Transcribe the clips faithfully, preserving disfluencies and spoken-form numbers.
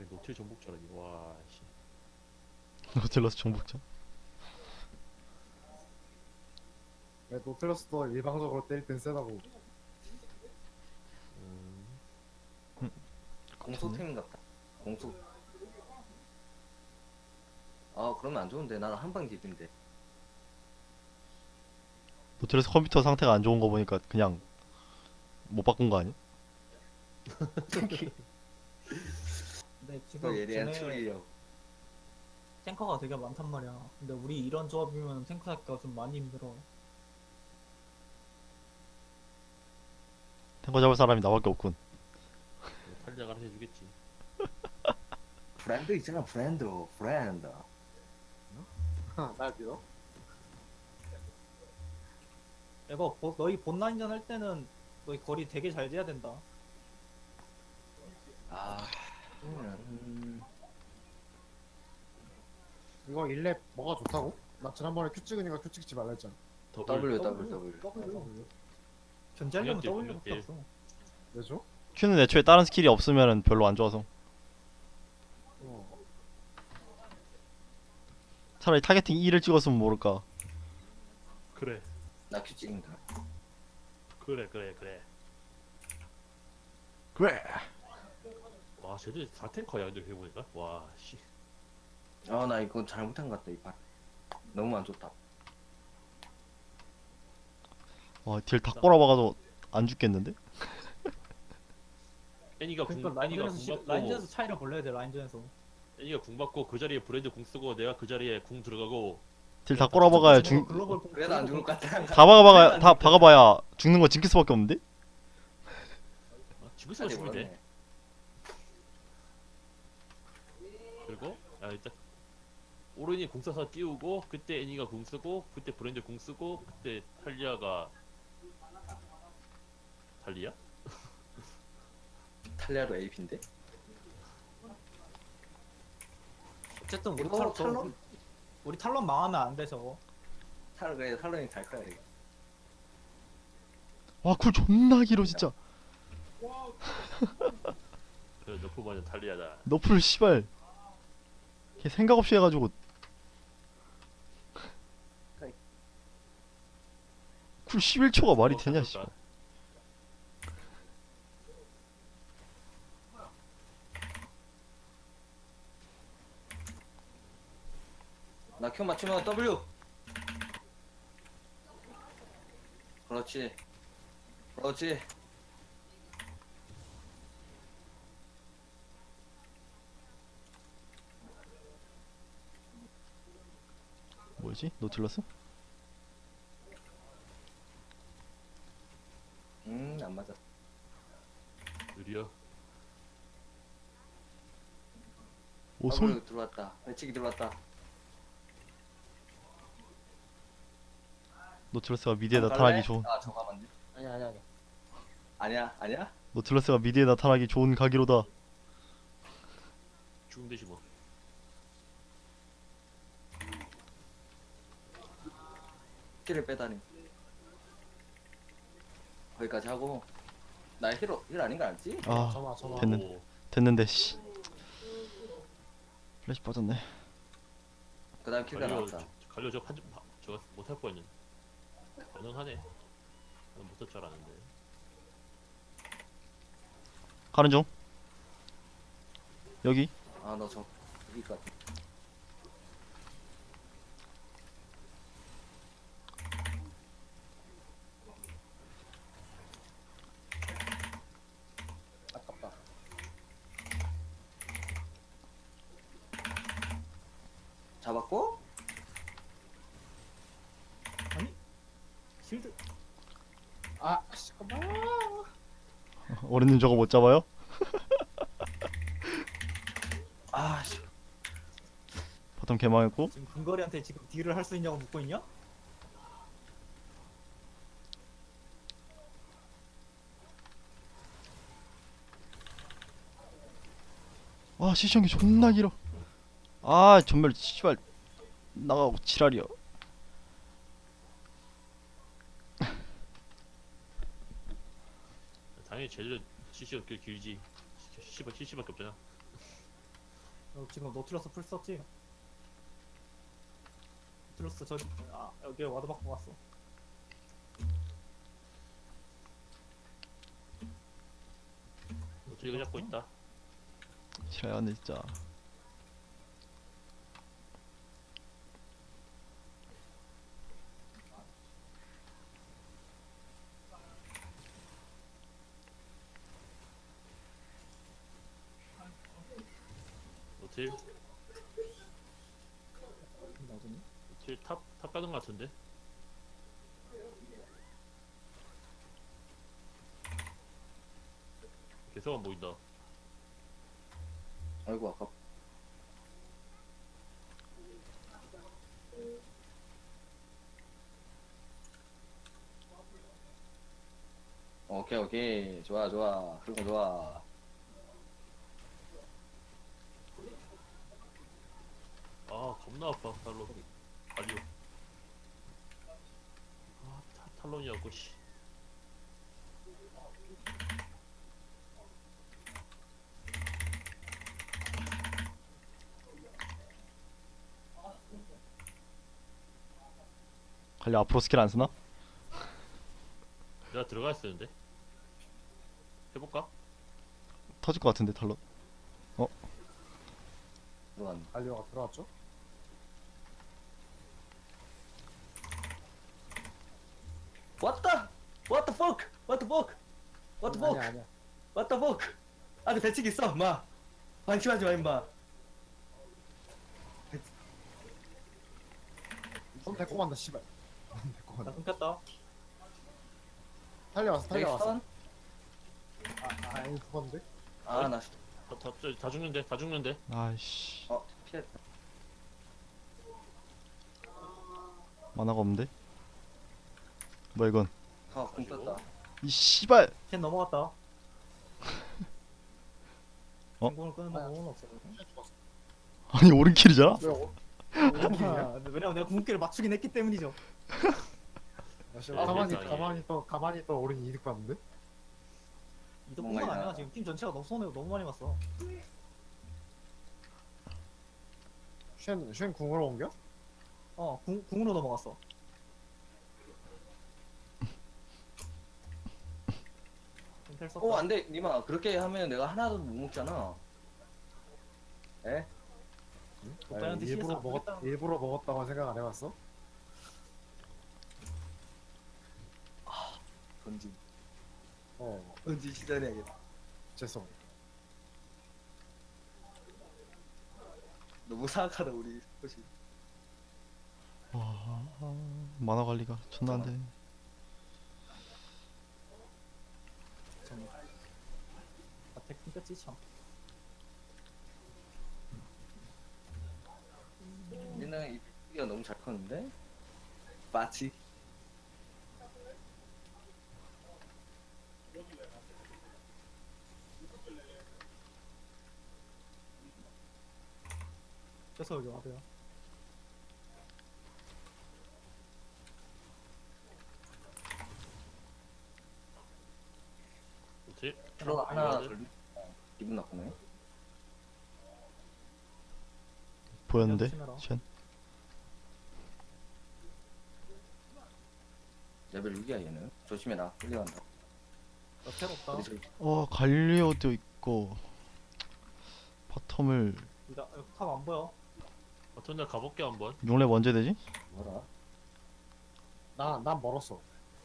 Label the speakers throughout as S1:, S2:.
S1: 노틸 정복자라니. 와 씨.
S2: 노틸러스 정복자.
S3: 왜 노틀러스도 일방적으로 때릴 땐 세다고.
S1: 음,
S4: 공소템 같다. 공소. 아 그러면 안 좋은데 나는 한방 딜인데.
S2: 노틸러스 컴퓨터 상태가 안 좋은 거 보니까 그냥 못 바꾼 거 아니야?
S5: 근데
S4: 그
S5: 지금
S4: 예리한
S5: 쟤네
S4: 추리력.
S5: 탱커가 되게 많단 말이야. 근데 우리 이런 조합이면 탱커 잡기가 좀 많이 힘들어.
S2: 탱커 잡을 사람이 나밖에 없군.
S1: 탈리아가 알아서 해주겠지.
S4: 브랜드 있잖아 브랜드 브랜드.
S3: 날 믿어?
S5: 이거 보- 너희 본라인전 할 때는 너희 거리 되게 잘 돼야 된다.
S4: 아. 음.
S3: 이거 일 렙 뭐가 좋다고? 나 지난번에 큐 찍으니까 큐 찍지 말라 했잖아.
S4: W
S5: W.
S4: W W.
S3: W.
S5: 견제하려면
S1: 공격딜,
S5: W밖에
S1: 공격딜.
S5: 없어.
S3: 왜죠?
S2: Q는 애초에 다른 스킬이 없으면 별로 안 좋아서.
S3: 어.
S2: 차라리 타겟팅 E를 찍었으면 모를까.
S1: 그래
S4: 나 큐 찍는다.
S1: 그래 그래 그래.
S2: 그래.
S1: 와 쟤들 사 탱커야 근데 해보니까. 와 씨.
S4: 아 나 이거 잘못한 것 같다 이판. 너무 안 좋다.
S2: 와, 딜 다 꼬라박아도 안 죽겠는데?
S1: 애니가 궁
S5: 그러니까
S1: 애니가
S5: 라인전에서
S1: 궁
S5: 시-
S1: 받고
S5: 라인전에서 차이를 벌려야 돼. 라인전에서.
S1: 애니가 궁 받고 그 자리에 브랜드 궁 쓰고 내가 그 자리에 궁 들어가고.
S2: 딜 다 꼬라박아야 죽.
S5: 글로벌 공-
S4: 그래도 안 죽을 것 같아.
S2: 다 박아봐야 다 박아봐야 죽는 거 징크스밖에 없는데?
S1: 아, 죽을 수가 죽으면 돼. 그리고 야 일단 오른이 궁 써서 띄우고 그때 애니가 궁 쓰고 그때 브랜드 궁 쓰고 그때 탈리아가 탈리아?
S4: 탈리아도 에이피인데?
S5: 어쨌든 우리
S4: 이거
S5: 탈론
S4: 탈론?
S5: 우리 탈론 망하면 안 돼 저거.
S4: 탈 그래 탈론이 잘 커야 돼.
S2: 와, 쿨 존나 길어 진짜.
S1: 그 너프 버전 탈리아다.
S2: 너프를 씨발. 걔 생각 없이 해가지고. 쿨 십일 초가 말이
S1: 어,
S2: 되냐,
S1: 그럴까?
S2: 씨발.
S4: 나 큐 맞추면 W. 그렇지. 그렇지.
S2: 뭐지? 노틸러스?
S4: 음 안 맞아.
S1: 느려.
S2: 오, 손.
S4: W 들어왔다. 배치기 들어왔다.
S2: 노틸러스가 미드에
S4: 갈래?
S2: 나타나기 좋은.
S4: 아 저거 맞네.
S3: 아니야 아니야 아니야.
S4: 아니야 아니야.
S2: 노틸러스가 미드에 나타나기 좋은 가기로다.
S1: 죽음 대시 뭐.
S4: 스킬을 빼다니. 거기까지 하고. 나 힐, 힐 아닌 거 알지?
S2: 아,
S3: 전화 전화.
S2: 됐는-
S1: 오,
S2: 됐는데 씨. 플래시 빠졌네.
S4: 그 다음 킬가
S1: 갈려
S4: 나왔다.
S1: 갈려 저 판좀 저거 못할 뻔했는. 가능하네. 나는 못할 줄 알았는데.
S2: 가는 중. 여기.
S4: 아 너 저 여기 같아.
S3: 아깝다.
S4: 잡았고?
S5: 실드
S3: 아 잠깐만.
S2: 어른님 저거 못 잡아요?
S4: 아 씨.
S2: 바텀 개망했고.
S5: 지금 근거리한테 지금 딜을 할 수 있냐고 묻고 있냐?
S2: 와, 시청기 존나 길어. 아, 전멸 씨발 나가고 지랄이야.
S1: 당연히 제대로 씨씨가 길 길지. 씨씨가 씨씨밖에 없잖아.
S5: 어, 지금 노틸러스 풀 썼지? 노틸러스 저기 아 여기 와드 받고 갔어.
S1: 노틸 이거 잡고 있다.
S2: 싫어하네 진짜.
S1: 노틸
S5: 나중에.
S1: 노틸 탑탑 가는 것 같은데. 계속 안 보인다.
S4: 아이고 아까 오케이 오케이 좋아 좋아 그거 좋아.
S1: 아 겁나 아파 탈론. 아니요. 아 타, 탈론이었고 씨.
S2: 관리 앞으로 스킬 안 쓰나?
S1: 내가 들어가 있었는데. 해볼까?
S2: 터질 것 같은데 탈론.
S4: 들어갔네.
S3: 알리오가 들어왔죠?
S4: What the? What the fuck? What the fuck? What the fuck?
S3: 아니야 아니야.
S4: What the fuck? 안에 배치기 있어 마. 방심하지 마 임마.
S3: 손 데리고 간다 씨발. 손 데리고
S5: 나
S3: 간다.
S5: 끊겼다.
S3: 달려왔어 달려왔어.
S4: 넥스턴?
S3: 아 아니 죽었는데?
S4: 아나
S1: 다, 다, 다, 다 죽는데 다 죽는데.
S2: 아이씨.
S4: 어 피했다.
S2: 만화가 없는데? 뭐야 이건?
S4: 아궁 떴다.
S2: 이 씨발.
S5: 캔 넘어갔다.
S2: 어?
S5: 공을 끄는 방법은 없어.
S3: 죽었어.
S2: 아니 오른킬이잖아?
S3: 왜 어?
S5: 아, 왜냐면 내가 궁극기를 맞추긴 했기 때문이죠.
S3: 나 지금
S1: 아,
S3: 가만히
S1: 세상에.
S3: 가만히 또 가만히 또 어른이 이득 봤는데?
S5: 이도뿐만
S4: 뭔가
S5: 아니야.
S4: 이상하다.
S5: 지금 팀 전체가 너무 손해 너무 많이 봤어.
S3: 쉔, 쉔 궁으로 옮겨?
S5: 어 궁, 궁으로 넘어갔어. 텔 썼다.
S4: 어 안돼 니마 그렇게 하면 내가 하나도 못 먹잖아. 에?
S5: 오빠한테
S3: 아니,
S5: 씨에스
S3: 일부러
S5: 안
S3: 먹었
S5: 보겠다.
S3: 일부러 먹었다고 생각 안 해봤어?
S4: 던지.
S3: 어
S4: 던지 시전해야겠다.
S3: 죄송.
S4: 너무 사악하다 우리 혹시.
S2: 와 만화 관리가 존나 안 되네.
S5: 아택 끊겼지 참.
S4: 우리는 이 피가 너무 잘 컸는데? 마치
S5: 그래서 여기 와도요.
S1: 노틸.
S4: 들어 하나
S1: 와드.
S4: 돌리. 기분 나쁘네.
S2: 보였는데?
S5: 조심해라.
S2: 쉔.
S4: 레벨 육이야 얘는. 조심해라. 끌려간다.
S5: 나텔 없다.
S4: 우리 저기
S2: 어 갈리오도 있고 바텀을
S5: 나 탑안 보여.
S1: 어떤 날 가볼게 한번.
S2: 용렙 언제 되지?
S4: 뭐라?
S3: 나난 멀었어.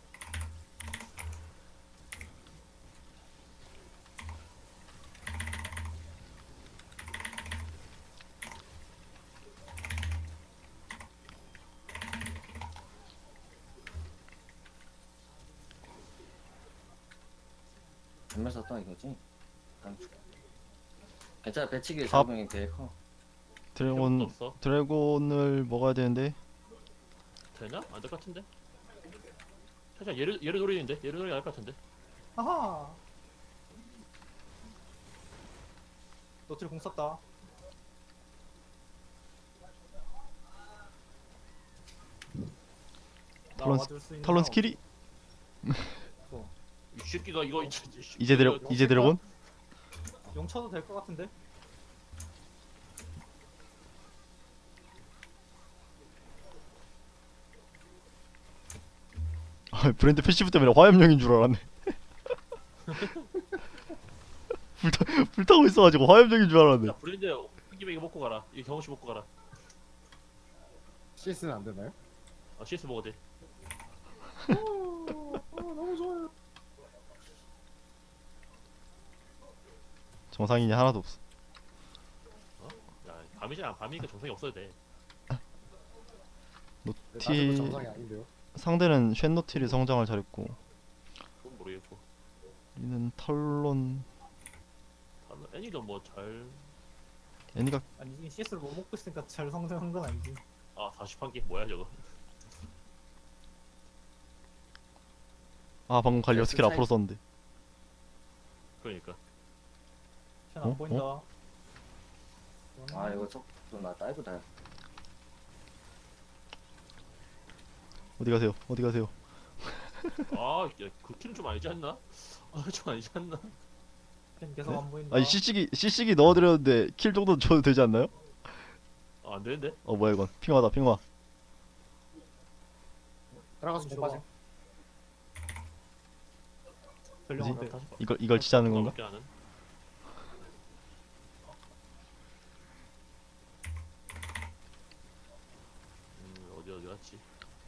S4: 전멸 썼다 이거지? 깡충. 괜찮아 배치기
S2: 탑.
S4: 잡으면 되게 커.
S2: 드래곤
S1: 없어.
S2: 드래곤을 먹어야 되는데
S1: 되나? 안 될 것 같은데. 살짝 얘를 얘를 노리는데 얘를 노리가 할것 같은데.
S5: 하하. 노틸 공 썼다. 나
S2: 탈론
S5: 와줄 수 있는
S2: 탈론
S5: 사람
S2: 스킬이
S5: 없어.
S1: 이 새끼가 이거 이
S2: 이제 드래 이제 드래곤?
S5: 용 쳐도 될 것 같은데?
S2: 브랜드 패시브 때문에 화염용인 줄 알았네. 불타 불타고 있어가지고 화염용인 줄 알았네.
S1: 야 브랜드 한 김에 이거 먹고 가라. 이거 경험치 먹고 가라.
S3: 씨에스는 안 되나요?
S1: 아 씨에스 먹어도 돼.
S3: 아, 너무 좋아요.
S2: 정상인이 하나도 없어.
S1: 야 밤이잖아. 밤이니까 정상이 없어도 돼.
S3: 네,
S2: 티
S3: 낮에도 정상이 아닌데요.
S2: 상대는 쉔노틸이 성장을 잘했고
S1: 그건 모르겠고.
S2: 우리는 탈론
S1: 다른 애니도 뭐잘
S2: 애니가
S5: 아니 씨에스를 못 먹고 있으니까 잘 성장한 건 아니지.
S1: 아 사십한 개 뭐야 저거.
S2: 아 방금 갈리오
S3: 네,
S2: 스킬
S3: 차이-
S2: 앞으로 썼는데.
S1: 그러니까.
S5: 쟤안
S2: 어?
S5: 보인다.
S4: 아 이거 속도 나 다이브 다.
S2: 어디 가세요? 어디 가세요?
S1: 아야그 킬은 좀 아니지 않나? 아좀 아니지 않나?
S5: 쟤 계속
S2: 네?
S5: 안 보인다.
S2: 아니 씨씨기 씨씨기 넣어드렸는데 킬 정도는 줘도 되지 않나요?
S1: 아, 안 되는데?
S2: 어 뭐야 이건 핑화다 핑화.
S3: 들어가서 못 빠짐.
S5: 전령한테.
S1: 다시 봐.
S2: 이걸 이걸 치자는 건가?
S1: 가볍게 하는. 음 어디 어디 갔지?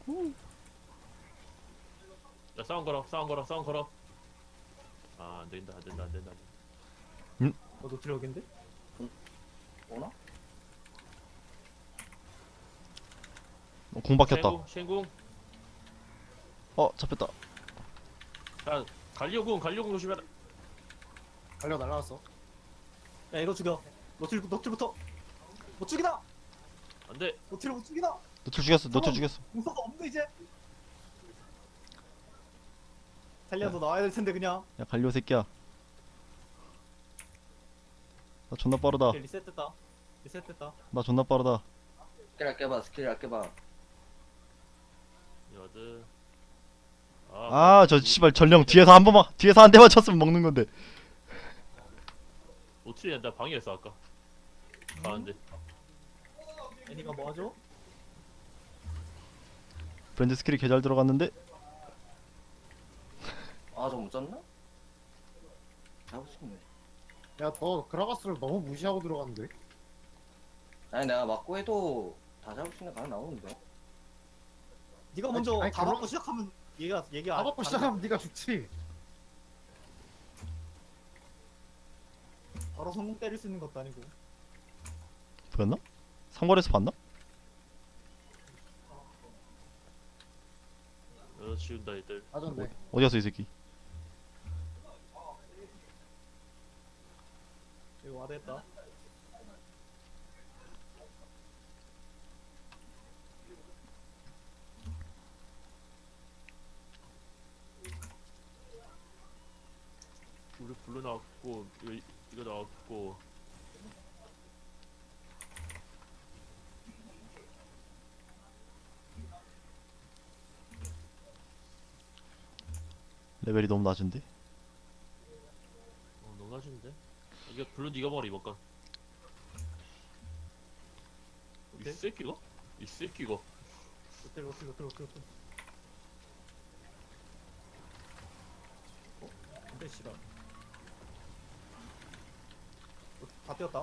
S1: 야 싸움 걸어 싸움 걸어 싸움 걸어. 아 안된다 안된다 안된다.
S5: 어 노틸 여긴데?
S4: 오나?
S2: 어, 공 박혔다.
S1: 쉔궁 쉔궁.
S2: 어 잡혔다.
S1: 야 갈리오궁 갈리오궁 조심해라.
S3: 달려 날라왔어.
S5: 야 이거 죽여. 노틸 노틸부터. 못 죽이다.
S1: 안돼.
S5: 노틸을 못 죽이다.
S2: 노틸 죽였어. 노틸 죽였어.
S5: 공사가 없네 이제. 달리야 너 나와야 될 텐데 그냥.
S2: 야 갈리오 새끼야. 나 존나 빠르다.
S5: 오케이, 리셋됐다. 리셋됐다.
S2: 나 존나 빠르다.
S4: 스킬 아껴봐 스킬 아껴봐.
S1: 여드.
S2: 아 저 씨발 전령 뒤에서 한 번만 뒤에서 한 대만 쳤으면 먹는 건데.
S1: 노틸이 된다 방해했어 아까. 가는데.
S5: 애니가 뭐 하죠?
S2: 브랜드 스킬이 개 잘 들어갔는데.
S4: 아 저 못 잡나? 잡을 수 있네.
S3: 야, 너 그라가스를 너무 무시하고 들어갔는데.
S4: 아니 내가 맞고 해도 다 잡을 수 있는 거 하나 나오는데.
S5: 네가
S3: 아니,
S5: 먼저
S3: 아니,
S5: 다
S3: 그럼-
S5: 받고 시작하면 얘가 얘가
S3: 다 받고 시작하면 네가 죽지.
S5: 바로 성공 때릴 수 있는 것도 아니고.
S2: 보였나? 상거리에서 봤나?
S1: 어 지운다 애들.
S3: 맞았네.
S2: 어디 갔어 이 새끼?
S5: 이거 와드했다.
S1: 우리 블루 나왔고 이거 이거 나왔고.
S2: 레벨이 너무 낮은데.
S1: 어 너무 낮은데? 이거 블루 니가 먹어라 이번 건. 이
S5: 오케이.
S1: 새끼가? 이 새끼가.
S5: 노틸 노틸 노틸 노틸 노틸. 어? 근데 씨발. 어, 다 뛰었다.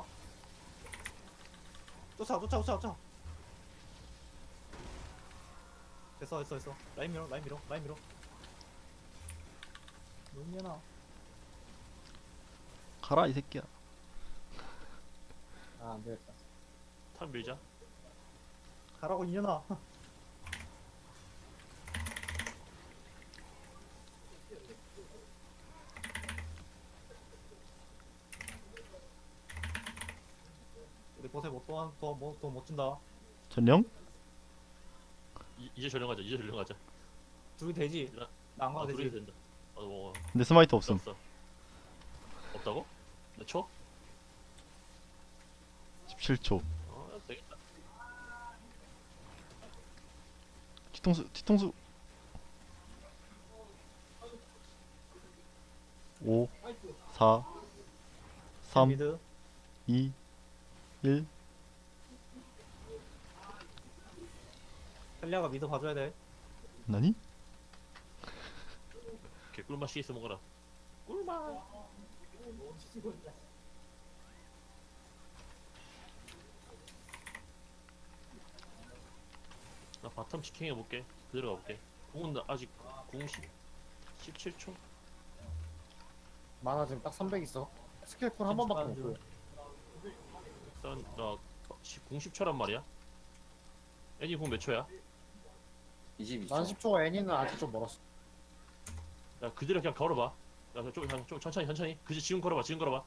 S5: 쫓아 쫓아 쫓아 쫓아. 됐어 됐어 됐어. 라인 밀어 라인 밀어 라인 밀어. 용년아.
S2: 가라 이 새끼야.
S3: 아, 안 되겠다.
S1: 탑 밀자.
S5: 가라고 이년아. 우리 보세 뭐또더뭐또못 준다.
S2: 전령?
S1: 이, 이제 전령 가자. 이제 전령 가자.
S5: 둘이 되지.
S1: 나-
S5: 나안
S1: 아
S5: 가도
S1: 둘이
S5: 되지.
S1: 된다. 어 뭐.
S2: 근데 스마이트 없음.
S1: 없어. 없다고? 몇 초?
S2: 십칠 초.
S1: 어 되겠다.
S2: 뒤통수 뒤통수. 오, 사, 삼,
S5: 미드.
S2: 이, 일.
S5: 헬리아가 미드 봐줘야 돼.
S2: 나니?
S1: 꿀맛 씨에스 먹어라. 꿀맛. 나 바텀 치킹 해볼게. 그대로 가볼게. 궁은 나 아직 궁 십, 십칠 초?
S3: 만화 지금 딱 삼백 있어. 스킬 쿨한 번밖에 못 보여.
S1: 일단 나 궁 십 초란 말이야. 애니 궁 몇 초야?
S4: 이십이 초.
S3: 난 십 초, 애니는 아직 좀 멀었어.
S1: 야 그대로 그냥 걸어봐. 야 좀, 좀, 좀 천천히 천천히. 그지 지금 걸어봐 지금 걸어봐.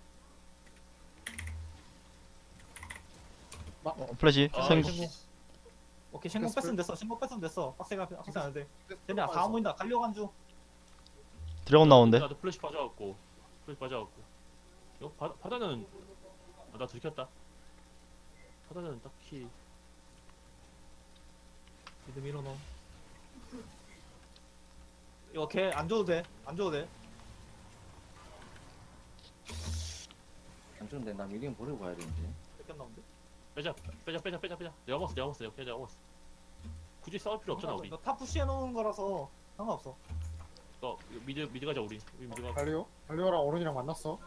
S2: 어, 플래시
S1: 아,
S2: 생각.
S1: 씨.
S5: 오케이 신공
S3: 됐어.
S5: 뺐으면 됐어. 신공 뺐으면 됐어. 빡세가 빡세 안 돼. 쟤네 다 모인다. 갈려간 중.
S2: 드래곤 나오는데.
S1: 나도 플래시 빠져갖고 플래시 빠져갖고. 이거 바, 바다는 아, 나 들켰다. 바다는 딱히
S5: 미드 밀어넣어. 이거 걔 안 줘도 돼. 안 줘도 돼.
S4: 안 좋은데 나 미리언 버리고 가야 되는데.
S5: 뺏겼 나온데.
S1: 빼자 빼자 빼자 빼자 빼자. 내가 먹었어 내가 먹었어 내가 내가 먹었어. 굳이 싸울 필요 없잖아 우리.
S5: 이거 탑 푸시해 놓은 거라서 상관없어.
S1: 너 미드 미드 가자 우리. 우리 미드 가.
S3: 갈리오? 갈리오랑 오른이랑 만났어.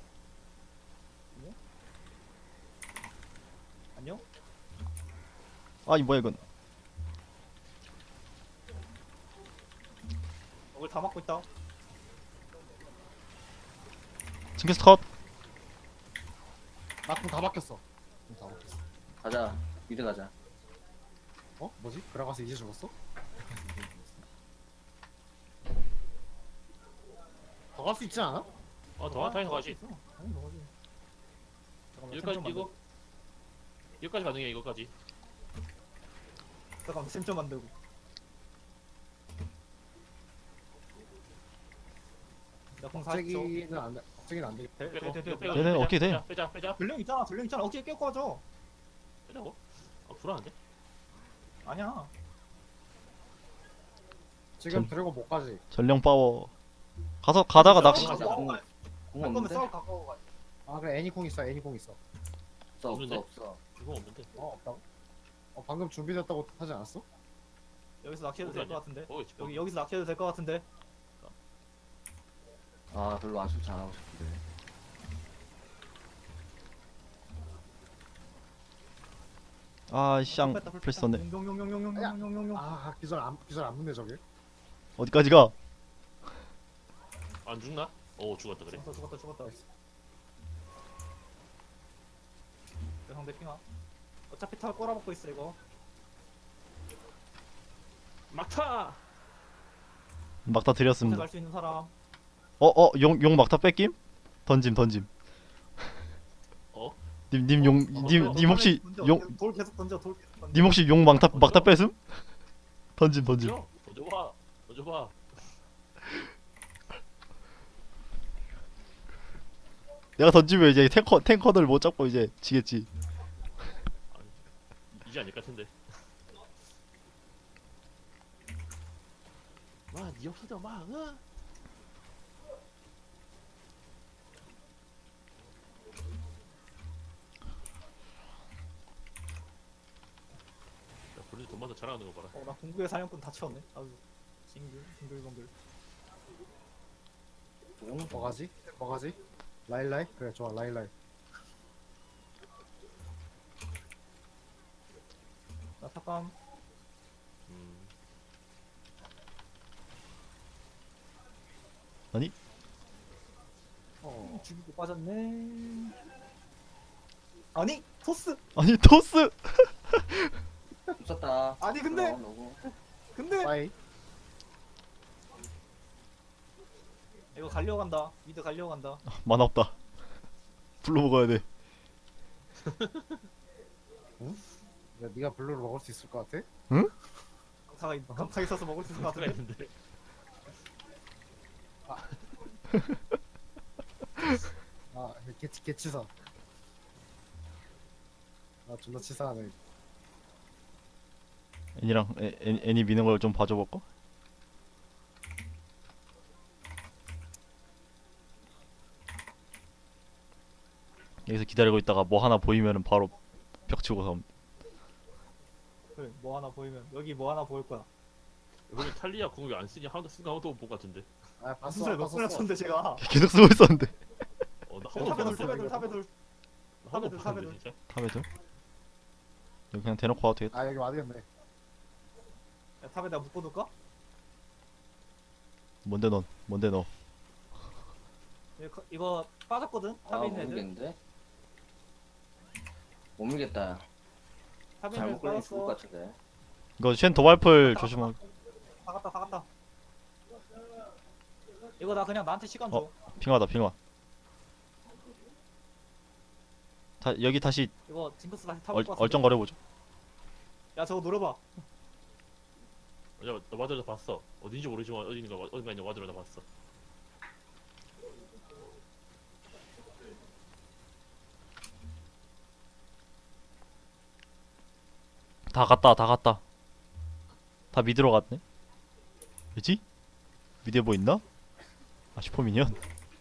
S5: 안녕?
S2: 아이 뭐야 이건.
S5: 이걸 다 막고 있다.
S2: 징크스 컷.
S3: 나궁 다 막혔어. 궁 다 막혔어.
S4: 가자. 미드 가자.
S3: 어? 뭐지? 그라가스 이제 죽었어? 더 갈 수 있지 않아?
S1: 어더 타이서 가지.
S5: 아니 너 가지. 잠깐만,
S1: 여기까지
S5: 템 좀
S1: 이거 여기까지 가능해 이거까지.
S5: 만들- 잠깐만 템좀 만들고. 나공 사십 초.
S3: 갑자기는 안 돼. 갑자기는 안 되겠다.
S5: 돼,
S1: 빼고
S5: 돼, 돼, 돼,
S1: 빼고
S5: 돼.
S2: 네네,
S1: 빼자,
S2: 어떻게 돼?
S1: 빼자 빼자 빼자
S5: 전령 있잖아. 전령 있잖아. 어떻게 깨고 가죠?
S1: 빼자고. 아 불안한데?
S5: 아니야.
S3: 지금
S2: 전-
S3: 드래곤 못 가지.
S2: 전령 파워. 가서 가다가 낚시.
S5: 가자.
S4: 가자. 공, 공
S5: 할 거면
S4: 없는데?
S5: 싸울 가까워 가.
S3: 아 그래 애니 궁 있어. 애니 궁 있어.
S4: 없어
S1: 없는데?
S4: 없어 없어.
S1: 이거 없는데.
S3: 어 없다고? 어 방금 준비됐다고 하지 않았어?
S5: 여기서 낚시해도 될 것 같은데.
S1: 어 있지.
S5: 여기 여기서 낚시해도 될 것 같은데.
S4: 아 별로 아쉽지 않아 하고 싶은데.
S2: 아 쌍. 플래시 썼네.
S5: 용용용용용용용용용.
S3: 아 기절 안 기절 안 묻네 저게.
S2: 어디까지 가?
S1: 안 죽나? 오 죽었다 그래.
S5: 죽었다 죽었다 죽었다. 내 상대 핑아. 어차피 탑 꼬라박고 있어 이거.
S1: 막타.
S2: 막다 드렸습니다.
S5: 갈수 있는 사람.
S2: 어어 용 용 막다 뺏김? 던짐 던짐.
S1: 어?
S2: 님 님 용 님 님 혹시
S5: 던져,
S2: 용
S5: 돌 계속 던져 돌 계속 던져.
S2: 님 혹시 용 막다 막다 뺏음? 던짐 던짐.
S1: 던져. 던져봐. 던져봐.
S2: 내가 던지면 이제 탱커 탱커들 못 잡고 이제 지겠지.
S1: 아니, 이제 아닐 것 같은데. 와, 니 없어도 막, 어? 야, 본인 돈 받아 자랑하는 거 봐라.
S5: 어나 공구의 사냥꾼 다 채웠네. 아주 싱글 싱글벙글.
S3: 뭐 가지? 뭐 가지? 라일라이? 그래 좋아 라일라이.
S5: 나 탑감.
S1: 음,
S3: 어.
S5: 죽이고 빠졌네. 아니 토스.
S2: 아니 토스.
S4: 없었다.
S5: 아니, 근데-
S4: 그럼 너고.
S5: 근데
S3: 빠이.
S5: 이거 갈려간다. 미드 갈려간다.
S2: 만화 없다. 불러 먹어야 돼.
S3: 야, 네가 블루를 먹을 수 있을 것 같아?
S5: 강타가 있- 강타 있어서 먹을 수 있을 것
S1: 수가
S5: 같은데.
S1: 있는데.
S3: 아 개치 개치사. 아 존나 치사하네.
S2: 애니랑 애, 애, 애니 미는 걸 좀 봐줘 볼까? 여기서 기다리고 있다가 뭐 하나 보이면은 바로 벽 치고 섬.
S5: 그래 뭐 하나 보이면 여기 뭐 하나 보일 거야.
S1: 여기 탈리아 궁을 안 쓰니 하나도 쓴 거 아무도 못 본 것 같은데.
S3: 아 봤어.
S5: 무슨 소리 몇 소리
S3: 봤었어.
S5: 쳤는데 제가.
S2: 계속 쓰고 있었는데.
S1: 어, 나
S5: 탑에
S1: 한번
S5: 둘,
S1: 봤어.
S5: 탑에 둘, 탑에 둘.
S1: 한번
S5: 탑에 둘,
S1: 봤는데
S5: 탑에
S1: 진짜.
S2: 탑에도? 여기 그냥 대놓고 와도 되겠다.
S3: 아 여기 와야겠네.
S5: 야, 탑에 내가 묶어둘까?
S2: 뭔데 넌? 뭔데 너?
S5: 이거, 이거 빠졌거든?
S4: 아
S5: 탑에 있는 애들.
S4: 모르겠는데. 못 밀겠다.
S5: 탑에 있는
S4: 잘못
S5: 애들
S4: 걸리면 죽을 것
S5: 빠졌어.
S4: 같은데.
S2: 이거 쉔 도발풀 조심하고.
S5: 다 갔다, 다 갔다. 이거 나 그냥 나한테 시간 줘.
S2: 어. 핑화다 핑화. 다 여기 다시
S5: 이거 징크스 다시 타볼
S2: 얼,
S5: 것 같은데.
S2: 얼쩡거려보죠.
S5: 야 저거 노려봐.
S1: 야, 나 와드로 다 봤어. 어딘지 모르지만 어디 있는 거 어딘가 있는 와드로 다 봤어.
S2: 다 갔다 다 갔다. 다 미드로 갔네. 왜지? 미드에 뭐 있나? 아 슈퍼미니언.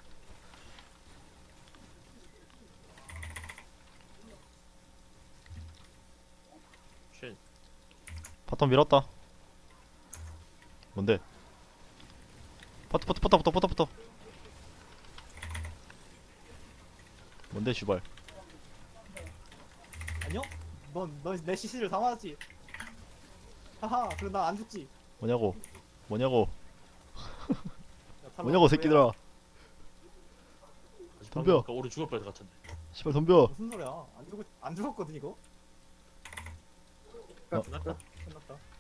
S1: 쉔.
S2: 바텀 밀었다. 뭔데? 퍼터 퍼터 퍼터 퍼터 퍼터 퍼터. 뭔데 슈발.
S5: 안녕? 넌넌내 시시를 다 맞았지. 하하. 그럼 난 안 죽지.
S2: 뭐냐고? 뭐냐고?
S5: 야, 탈락.
S2: 뭐냐고 새끼들아.
S1: 다시
S2: 덤벼.
S1: 방금 아까 오른 죽을 뻔해서 갇혔네.
S2: 씨발 덤벼.
S5: 무슨 소리야? 안 죽었 안 죽었거든 이거.
S2: 어.
S1: 끝났다.
S5: 끝났다.